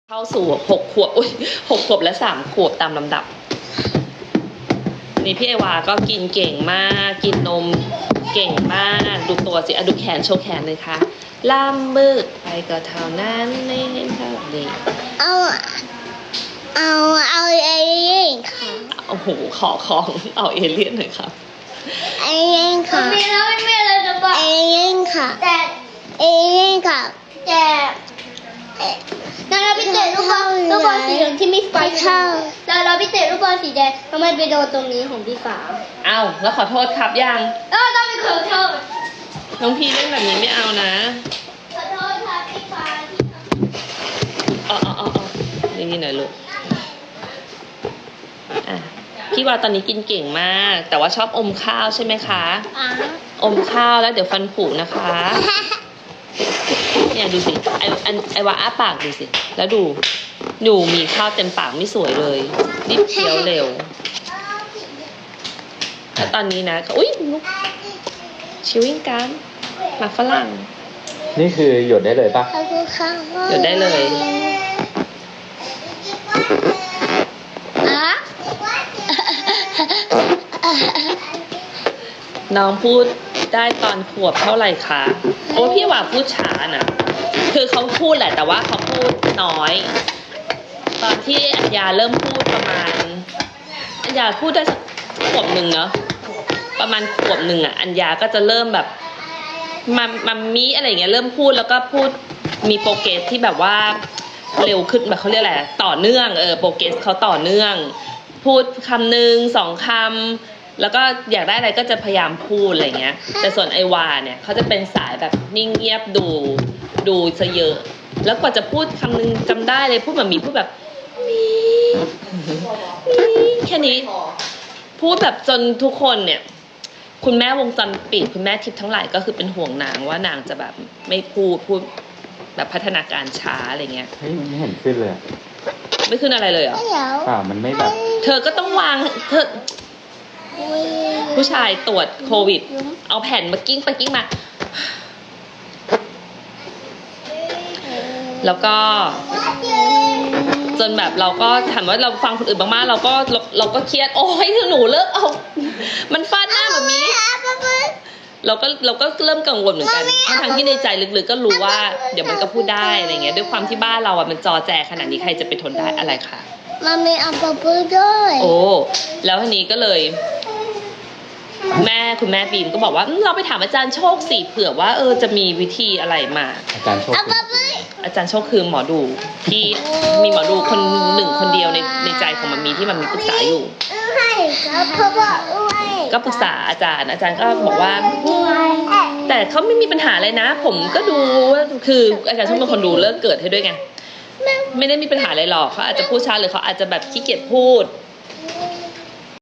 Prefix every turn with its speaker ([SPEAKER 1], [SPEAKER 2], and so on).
[SPEAKER 1] เข้าสู่6 ขวบ6 ขวบและ3 ขวบตามลำดับนี่พี่ไอวาก็กินเก่งมากกินนมเก่งมากดูตัวสิดูแขนโชว์แขนเลยค่ะล่ามบึกไปก็เท่านั้นนี่เท่านี้
[SPEAKER 2] เอาเอเลี่ยนค่ะ
[SPEAKER 1] โอ้โหขอของเอาเอเลี่ยนหน่อยครับ
[SPEAKER 2] เอเลี่ยนค่ะ
[SPEAKER 3] มีแล้วไม่มีอะไรจะบอก
[SPEAKER 2] เอเลี่ยนค่ะ
[SPEAKER 3] แต่
[SPEAKER 2] เอเลี่ยนค่ะ
[SPEAKER 3] แต่เราไปเตะลูกบอลสีเหลืองที่มีไฟเข้าเราไปเตะลูกบอลสีแดงทำไมไปโดนตรงนี้ของพี่ฟ้า
[SPEAKER 1] เอาแล้วขอโทษครับยัง
[SPEAKER 3] ต้องไปขอโทษ
[SPEAKER 1] น้องพี่เล่นแบบนี้ไม่เอานะ
[SPEAKER 3] ขอโทษครับพี่ฟ้า
[SPEAKER 1] ที่นี่หน่อยลูกพี่ว่าตอนนี้กินเก่งมากแต่ว่าชอบอมข้าวใช่ไหมคะอมข้าวแล้วเดี๋ยวฟันผุนะคะเนี่ยดูสิไอว่าอ้าปากดูสิแล้วดูมีข้าวเต็มปากไม่สวยเลยรีบเคี้ยวเร็วแล้วตอนนี้นะอุ้ยชิววิ่งกันหมากฝรั่ง
[SPEAKER 4] นี่คือหยดได้เลยปะ
[SPEAKER 1] หยดได้เลยน้องพูดได้ตอนขวบเท่าไหร่คะโอ้พี่ว่าพูดช้านะคือเขาพูดแหละแต่ว่าเขาพูดน้อยตอนที่อัญญาเริ่มพูดประมาณอัญญาพูดได้สักขวบหนึ่งเนาะประมาณขวบหนึ่งอัญญาก็จะเริ่มแบบมัมมี่อะไรเงี้ยเริ่มพูดแล้วก็พูดมีโปรเกรสที่แบบว่าเร็วขึ้นแบบเขาเรียกอะไรต่อเนื่องโปรเกรสเขาต่อเนื่องพูดคำหนึ่ง2 คำแล้วก็อยากได้อะไรก็จะพยายามพูดอะไรเงี้ยแต่ส่วนไอวาเนี่ยเขาจะเป็นสายแบบนิ่งเงียบดูซะเยอะแล้วกว่าจะพูดคำนึงจำได้เลยพูดแบบมีพูดแบบมีแค่นี้พูดแบบจนทุกคนเนี่ยคุณแม่วงจรปิดคุณแม่ทิพย์ทั้งหลายก็คือเป็นห่วงนางว่านางจะแบบไม่พูดแบบพัฒนาการช้าอะไรเงี้ย
[SPEAKER 4] ไม่เห็นขึ้นเลย
[SPEAKER 1] ไม่ขึ้นอะไรเลยเหรอ
[SPEAKER 4] มันไม่แบบ
[SPEAKER 1] เธอก็ต้องวางเธอผู้ชายตรวจโควิดเอาแผ่นมากิ้งไปกิ้งมาแล้วก็จนแบบเราก็ถามว่าเราฟังคนอื่นมากๆเราก็เครียดโอ้ยหนูเลิกเอามันฟาดหน้าแบบนี้เราก็เริ่มกังวลเหมือนกันทั้งที่ในใจลึกๆก็รู้ว่าเดี๋ยวมันก็พูดได้อะไรเงี้ยด้วยความที่บ้านเรามันจอแจขนาดนี้ใครจะไปทนได้อะไรคะ
[SPEAKER 2] มันมีอัปเปอร์ด้วย
[SPEAKER 1] โอ้แล้วทีนี้ก็เลยคุณแม่บีมก็บอกว่าเราไปถามอาจารย์โชคสิเผื่อว่าจะมีวิธีอะไรมา
[SPEAKER 4] อาจารย์โชค
[SPEAKER 1] คือหมอดูที่มีหมอดูคนเดียวในใจของมันมีที่มันมีปรึกษาอยู่ก็ปรึกษาอาจารย์ก็บอกว่าแต่เขาไม่มีปัญหาอะไรนะผมก็ดูคืออาจารย์โชคเป็นคนดูเลิกเกิดให้ด้วยไงไม่ได้มีปัญหาอะไรหรอกเขาอาจจะพูดช้าหรือเขาอาจจะแบบขี้เกียจพูด